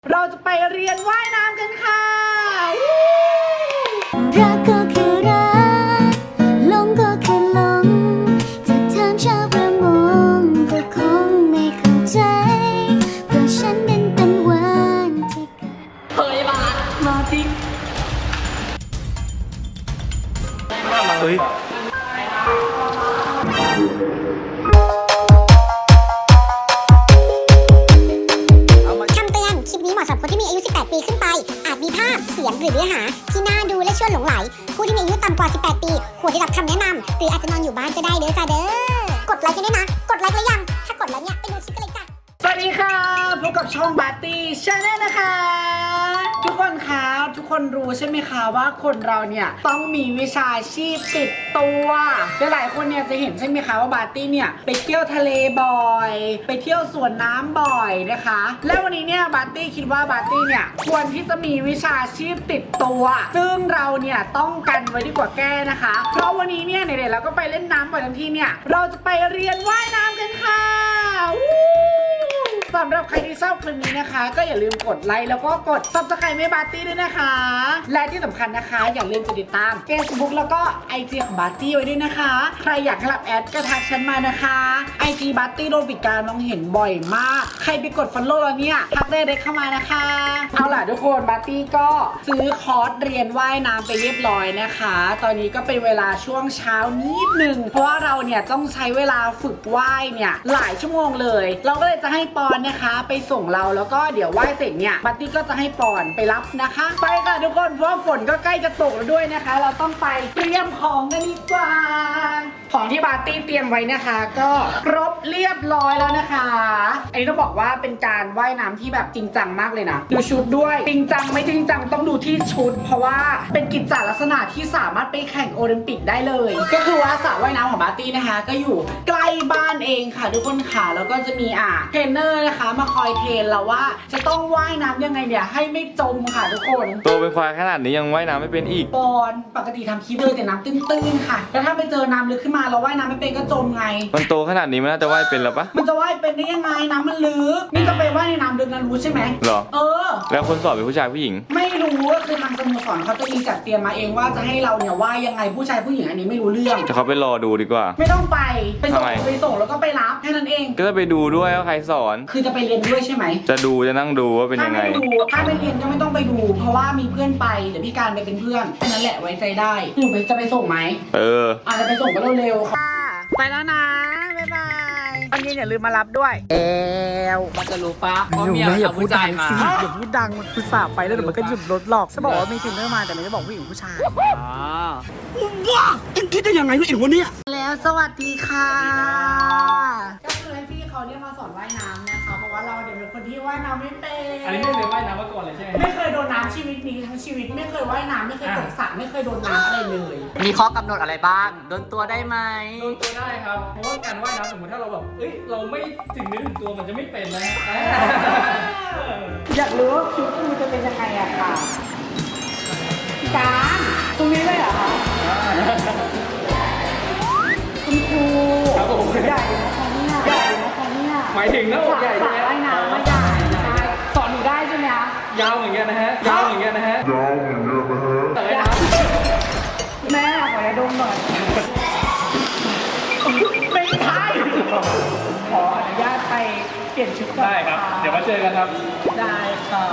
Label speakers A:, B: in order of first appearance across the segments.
A: เราจะไปเรียนว่ายน้ำกันค่ะ
B: รักก็คือรักหลงก็คือหลงจะถามชาวประมงก็คงไม่เข้าใจเพราะฉันนั้นเป็นวันที่เกิด
A: เฮ้ยมาดิ
C: เฮ้ย
B: คำเตือน คลิปนี้เหมาะสำหรับคนที่มีอายุ 18 ปีขึ้นไป อาจมีภาพ เสียง หรือเนื้อหา ที่น่าดูและชวนหลงไหล ผู้ที่มีอายุต่ำกว่า 18 ปี ควรได้รับคำแนะนำ หรืออาจจะนอนอยู่บ้านก็ได้เด้อจ้าเด้อ กดไลค์กันด้วยนะ กดไลค์แล้วยัง ถ้ากดแล้วเนี่ยไปดูคลิปกันเลยจ้ะ
A: สวัสดีค่ะพบกับช่องบาร์ตี้ชาแนลนะคะ ทุกคนคะทุกคนรู้ใช่ไหมคะว่าคนเราเนี่ยต้องมีวิชาชีพติดตัวหลายๆคนเนี่ยจะเห็นใช่ไหมคะว่าบาร์ตี้เนี่ยไปเที่ยวทะเลบ่อย ไปเที่ยวสวนน้ำบ่อยนะคะ และวันนี้เนี่ยบาร์ตี้คิดว่าบาร์ตี้เนี่ยควรที่จะมีวิชาชีพติดตัวซึ่งเราเนี่ยต้องกันไว้ดีกว่าแก้นะคะ เพราะวันนี้เนี่ยไหนๆเราก็ไปเล่นน้ำบ่อยทั้งทีเนี่ยเราจะไปเรียนว่ายน้ำกันค่ะสำหรับใครที่ชอบคลิปนี้นะคะก็อย่าลืมกดไลค์แล้วก็กด Subscribe ให้บาร์ตี้ด้วยนะคะและที่สำคัญนะคะอย่าลืมกดติดตาม Facebook แล้วก็ IG ของบาร์ตี้ไว้ด้วยนะคะใครอยากให้รับแอดก็ทักฉันมานะคะ IG บาร์ตี้โดนปิดการมองเห็นบ่อยมากใครไปกด follow แล้วเนี่ยทักได้เลยเข้ามานะคะเอาล่ะทุกคนบาร์ตี้ก็ซื้อคอร์สเรียนว่ายน้ำไปเรียบร้อยนะคะตอนนี้ก็เป็นเวลาช่วงเช้านิดนึงเพราะว่าเราเนี่ยต้องใช้เวลาฝึกว่ายเนี่ยหลายชั่วโมงเลยเราก็เลยจะให้ปอนนะคะไปส่งเราแล้วก็เดี๋ยวว่ายเสร็จเนี่ยบัตตี้ก็จะให้ปอนไปรับนะคะไปค่ะทุกคนเพราะว่าฝนก็ใกล้จะตกแล้วด้วยนะคะเราต้องไปเตรียมของกันดีกว่าของที่บาร์ตี้เตรียมไว้นะคะก็ครบเรียบร้อยแล้วนะคะอันนี้ต้องบอกว่าเป็นการว่ายน้ำที่แบบจริงจังมากเลยนะดูชุดด้วยจริงจังไม่จริงจังต้องดูที่ชุดเพราะว่าเป็นกิจจลักษณะที่สามารถไปแข่งโอลิมปิกได้เลยก็คือว่าสระว่ายน้ำของบาร์ตี้นะคะก็อยู่ใกล้บ้านเองค่ะทุกคนค่ะแล้วก็จะมีเทรนเนอร์นะคะมาคอยเทรนเราว่าจะต้องว่ายน้ำยังไงเนี่ยให้ไม่จมค่ะทุกคน
C: โตเป็นควายขนาดนี้ยังว่ายน้ำไม่เป็นอีก
A: ปอนปกติทำคลิปเลยแต่น้ำตื้นๆค่ะแล้วถ้าไปเจอน้ำลึกขึ้นมาเราว่ายน้ำไม่เป็นก็จมไง
C: มันโตขนาดนี้มันน่าจะว่ายเป็นแล้วปะ
A: มันจะว่ายเป็นได้ยังไงน้ำมันลึกนี่จะไปว่ายในน้ำลึกนะรู้ใช่ไหม
C: หรอ
A: เออ
C: แล้วคนสอบเป็นผู้ชายผู้หญิง
A: ไม่รู้ก็คือทางสโมสรเขาจะมีจัดเตรียมมาเองว่าจะให้เราเนี่ยว่ายยังไงผู้ชายผู้หญิงอันนี้ไม่รู้เรื่อง
C: จะเขาไปรอดูดีกว่า
A: ไม่ต้องไปส่ง
C: ทำไม
A: ไปส่งแล้วก็ไปรับแค่นั้นเอง
C: ก็จะไปดูด้วยว่าใครสอน
A: คือจะไปเรียนด้วยใช่ไหม
C: จะดูจะนั่งดูว่าเป็นยังไง
A: ถ้าไม่เรียนก็ไม่ต้องไปดู เพราะว่ามีเพื่อนไปเดี๋ยวพี่การไปเป็นเพื่อนแค่นั้นแหละไว้ใจได้หนูจะไปส่งไหม
C: เออ
A: อาจจะไปส่งก็เร็วๆค่ะไปแล้วนะบ๊ายบายตอนเย็นอย่าลืมมารับด้วย
D: มันจะรู้ปะ
A: อ
D: ว่า
A: ยู่
D: เมีย
A: ไม่อย่า
D: เอา
A: พูด
D: ผู้
A: ดั
D: ชาย
A: ง
D: มา
A: สิอย่าพูดดังมันคือสาบไปแล้วเดี๋ยวมันก็หยุดรถหรอกจะบอกว่ามีเทรนเนอร์มาแต่ไม่ได้บอกผู้หญิงผู้ชาย
D: อ๋อ
A: แล้วสวัสดีค่ะก็คือให้พี่เขาเนี่ยมาสอนว่ายน้ำนะคะเพราะว่าเราเดี๋ยวเป็นคนที่ว่ายน้ำไม่เป็น
D: อันนี้ไม่เคยว่ายน้ำมาก่อนเลยใช่ไหม
A: ไม่เคยโดนน้ำชีวิตนี้ทั้งชีวิตไม่เคยว่ายน้ำไม่เคยตกสระไม่เคยโดนน้ำอะไรเลย
D: มีข้อกำหนดอะไรบ้าง โดนตัวได้ไหม
E: โดนตัวได้ครับ เพราะว่าการว่ายน้ำสมมติถ้าเราแบบเอ้ย เราไม่ถึงเนื้อถึงตัวมันจะไม่เป็นนะ
A: อยากรู้ว่าชุดมันจะเป็นยังไงอะค่ะการตรงนี้เลยเหรอคะคุณครู
E: ครับผม
A: ใหญ่นะคะเนี่ยใหญ่นะคะเนี่ย
E: หมายถึงหน้าอกใหญ่
A: ส
E: ใช่
A: ระ
E: ไหม
A: ว่ายน้ำมาใหญ่ใช่สอนหนูได้ใช่ไหมคะ
E: ยาวเหมือนกันนะฮะ ยาวเหมือนกันนะฮะแต่ว่ายน้ำ
A: แม่ขอยาดมหน่อยไม่ใช่ขออนุญาตไปเปลี่ยนชุดก่อน
E: ได้ครับ เดี๋ยวมาเจอกันครับ
A: ได้ค่ะ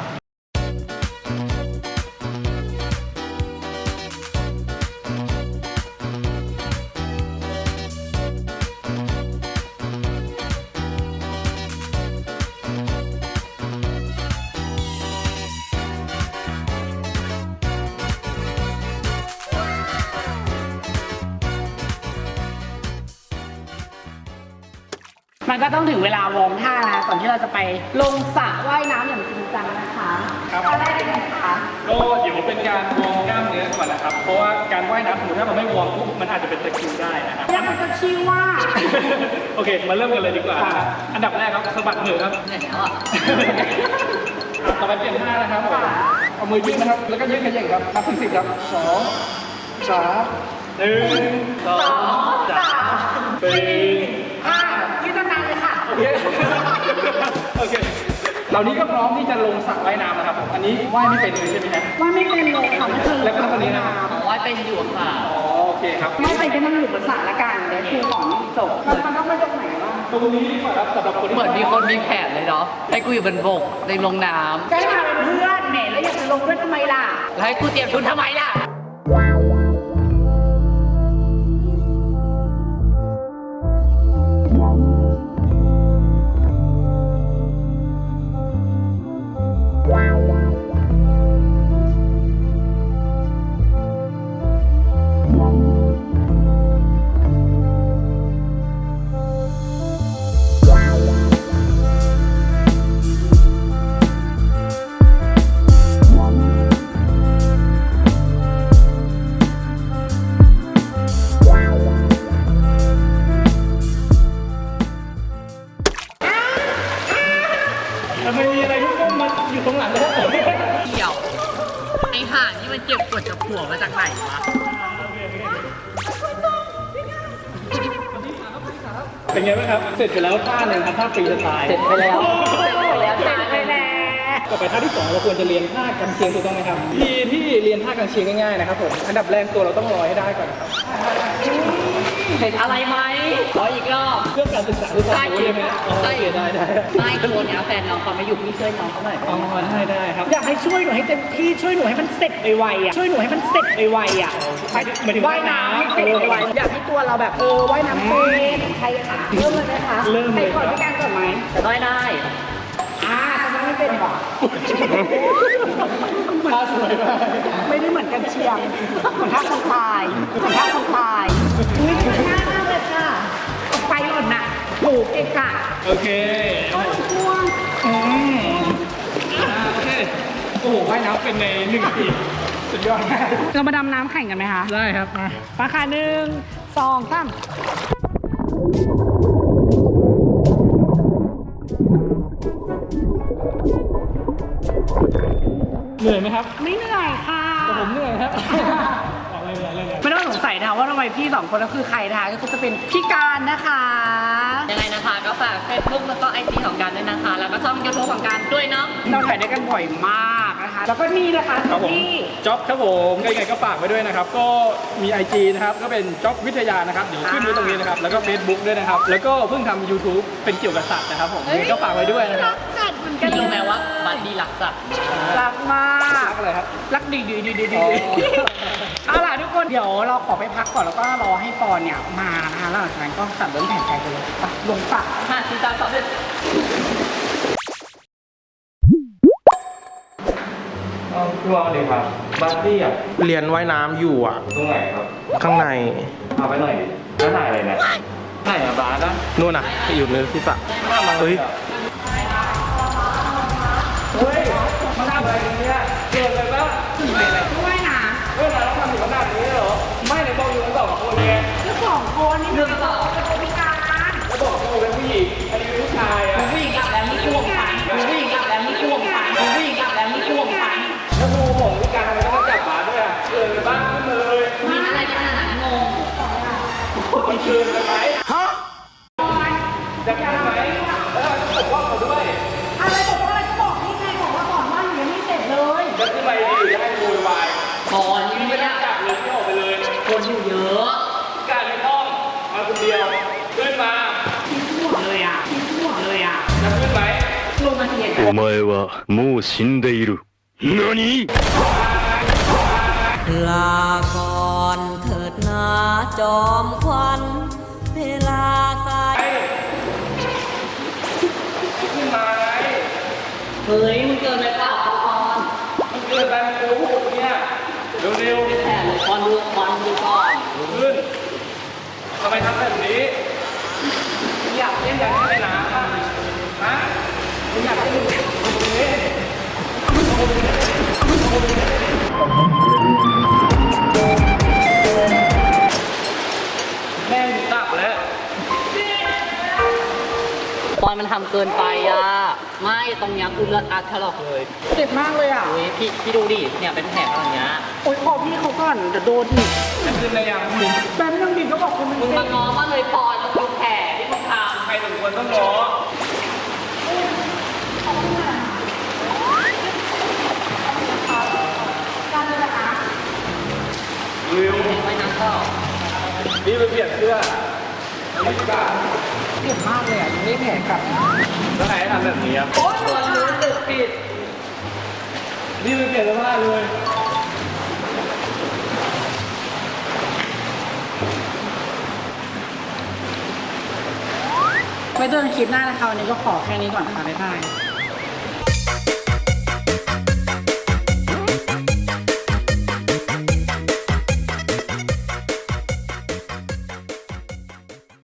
A: มันก็ต้องถึงเวลาวอร์มท่านะก่อนที่เราจะไปลงสระว่ายน้ำอย่างจริงจังนะคะ
E: ครับ
A: ท่าแรกเป็นไงคะ
E: ก็เดี๋ยวเป็นการวอร์มกล้ามเนื้อก่อนนะครับ เพราะว่าการว่ายน้ำสมมติถ้าเราไม่วอร์มปุ๊บมันอาจจะเป็นตะคริวได้นะครับ
A: แล้วมันก็ชื่อว่า
E: โอเค มาเริ่มกันเลยดีกว่านะครับอันดับแรกครับสะบัดมือครับ
D: เหนื่อยแล้วอ่ะ
E: ต่อไปเปลี่ยนท่านะครับผมเอามือยืดนะครับ แล้วก็ยืดขย่งครับ นับถึง10ครับ2 3 1 2 3 4
A: ยืดนานๆเลยค่ะ
E: โอเค โอเคเหล่านี้ก็พร้อมที่จะลงสระว่ายน้ำนะครับอันนี้ว่ายไม่เป็นเลยใช่ไหมฮะ
A: ว่าไม่เป็นเลยค่ะไม่เคย
E: แล้วก็คนนี้นะครับ
D: ว่ายเป็นอยู่ค่ะ
E: อ๋อโอเคครับ
A: ไม่ไปก็นั่งอยู่บนสระละกันเดี๋ยวครูสอนจบมันต้องไปตรงไหนบ้าง
E: ตรงนี้ดีกว่าครับสำหรับคนที่
D: เหมือนมีคนมีแผนเลยเนาะให้กูอยู่บนบกในลงน้
A: ก็ให้มาเป็นเพื่อนแหมแล้วอยากจะลงด้วยทำไมล่ะ
D: ำแล้วให้กูเตรียมทุนทำไมล่ะ
E: ทำไมมีอะไรที่ต้องมาอยู่ตรงหลังเลยครับผม
D: เดี๋ยวไอห่านี่มันเก็บกดจากผัวมาจากไหนวะ
E: เป็นไงบ้างครับ เสร็จไปแล้วท่าหนึ่งครับท่าฟรีสไตล์
D: เสร็จไปแล้วจ้า
E: ต่อไปท่าที่ 2 เราควรจะเรียนท่ากันเชียงถูกต้องไหมครับที่เรียนท่ากันเชียงง่ายๆนะครับผมอันดับแรกตัวเราต้องลอยให้ได้ก่อนนะครับ
D: เห็นอะไรไหมขออีกรอบ
E: เรื่องการศึกษาคือความรู้ใช่ไหมอ๋อโอเคได้
D: ไม่ตัวเนี้ยแฟนน้องเขาไม่อยู่พี่ช่วยน้องเขาหน่อย
E: อ๋อได้ครับ
A: อยากให้ช่วยหนูให้เต็มที่ช่วยหนูให้มันเสร็จไวๆอ่ะช่วยหนูให้มันเสร็จไวๆอ่ะ
E: หมายถึง
A: ว่ายน้ำให้เสร็จไวๆอยากให้ตัวเราแบบว่ายน้ำเป็นใครค่ะเริ่มเลยไหมคะ
E: เริ่มเลย
A: ใครก่อนพี่การก่อนไหม
D: ได้ได้
A: ทำไมไม่เป็นหรอ
E: ท่าสวยมาก
A: ไม่ได้เหมือนกันเชียงเหมือนท่าคนพายเหมือนท่าคนพายอุ้ยมันง่ายมากเลยค่ะเอาไฟหล่นน่ะถูกเอกค่ะ
E: โอเค
A: ช่วง
E: โอเคโอ้โหว่ายน้ำเป็นใน1 นาทีสุดยอดมาก
A: เรามาดำน้ำแข่งกันไหมคะ
E: ได้ครับมา
A: มาค่ะ1 2 3
E: เหนื่อยไหมครับ
A: ไม่เหนื่อยค่ะ
E: แต่ผมเหนื่อยครับเรื่องอะไร
A: ไม่ต้องสงสัยนะคะว่าทำไมพี่2คนก็คือใครนะคะก็คือจะเป็นพี่การนะคะ
D: ยังไงนะคะก็ฝาก Facebook แล้วก็ IG ของการด้วยนะคะ แล้วก็ช่อง YouTube ของการด้วยเนาะ
A: เราถ่ายด้วยกันบ่อยมากนะคะ แล้วก็นี่นะคะ
E: ครับผม
A: ที่
E: จ็อบครับผมยังไงก็ฝากไว้ด้วยนะครับ ก็มี IG นะครับก็เป็นจ็อบวิทยานะครับเดี๋ยวขึ้นไว้ตรงนี้นะครับแล้วก็ Facebook ด้วยนะครับแล้วก็เพิ่งทำ YouTube เป็นเกี่ยวกับสัตว์นะครับผมยังไงก็ฝากไว้ด้วยนะครับ
A: จัดเหมือนกัน
D: พี่รู้ไหมว่าบัดดี้รักสัตว์
A: รักมาก
E: อะไรครับ
A: รักดี
E: อ๋อ
A: เอาล่ะทุกคนเดี๋ยวเราขอไปพักก่อนแล้วก็รอให้ปอนเนี่ยมานะคะแล้วหลังจากนั้นก็สั่งเริ่มแข่งกันเลยไปลงสระ
D: 5 4 3 2 1
C: พี่วอลเลยครับบัตตี้อ่ะ
F: เรียนว่ายน้ำอยู่อ่ะ
C: ตรงไหนครับ
F: ข้างใน
C: เอาไปหน่อยดิแล้วถ่ายอะไรเนี่ยถ่ายอะบาสนะ
F: นู่นน่ะอยู่ในที่สระเฮ้ย
E: เฮ้ยมาทำอะไรกันเนี่ยเกิดอะไรบ้าง
A: ช่วยนะ
E: เรื่องอะไรต้องทำถึงขนาดนี้เหรอไม่ไหนบอกอยู่กัน2 คนไง
A: แล้ว2 คนนี่มันบอกว่าเป็นพิการ
E: แล้วบอกว่าเป็นผู้หญิงอันนี้เป็นผู้ชายอ่ะ
D: ผู้หญิงอาบแล้วนี่คือวงพันผู้หญิงอาบแล้วนี่คือวงพันผู้หญิงอาบแล้วนี่คือวงพัน
E: แล้วครูบอกวิการทำไมต้องจับบาสด้วยอ่ะเกินไปบ้างขึ้นมาเลย
D: มีอะไรกันขนาดนั้นงง
E: มันเกินไปไหมฮะจะทำไหมแล้วปกป้องเขาด้วย
A: อะไรบอกว่าอะไรก็บอกนี่ไงบอกว่าก่อนว่าหนูยังไม่เสร็จเลย
E: จะขึ้นไปดีจะให้โวยวาย
D: ก่อนนี่
E: ไม่
D: ไม่
E: ได้
D: ได้
E: จับเลยไม่ออกไปเลย
D: คนอยู่เยอะ
E: การไม่ต้องมาคนเดียวขึ้นมา
A: ทิ้งหัวเลยอ่ะทิ้งหัวเลยอ่ะ
E: จะขึ้นไหม
A: ลงมาเทียน
G: お前はもう死んでいる。何
H: ลาก่อนเถิดนาจอมควันเวลาสาย
E: ขึ้นมาไง
D: เฮ้ยมันเกินไปเปล่าก่อน
E: มันเกินไปมันกูพูดเนี่ยเร็ว
D: แผนเลยก่อนดูก่อนดูก่อน
E: ๆขึ้นทำไมทำแบบนี้อยากเล่นอยากเล่นน้ำอ่ะฮะมึงอยากเล่นตรงนี้แม่งตับแล้ว
D: ตอนมันทำเกินไปอ่ะ ไม่ตรงเนี้ยคือเลือดอัดถลอกเลย
A: เจ็บมากเลยอ่ะ
D: อุ้ยพี่ดูดิ เนี่ยเป็นแผลอะไรเงี้ย
A: โอ๊ยขอพี่เขาก่อนเดี๋ยวโดนอีก
E: จะขึ้นได้ยังมึง
A: แป๊บนึงดิก็บอกคุณมัน
D: มึง
A: เจ็
D: มา
A: บ
D: ง้อมาเลยปอนแล้วดูแผลที่มึงทำ
E: ใครสมควรต้องง้อนี่ไปเปลี่ยนเสื้ออันนี้กัน
A: เจ็บมากเลยอ่ะยังไม่แผลกลับ
E: แล้วใครให้ทำแบบนี้ครับ
D: โอ๊ยคนรู้สึกผิด
E: นี่ไปเปลี่ยนเสื้อผ้าเลย
A: ไว้เจอกันคลิปหน้านะคะวันนี้ก็ขอแค่นี้ก่อนค่ะบ๊ายบาย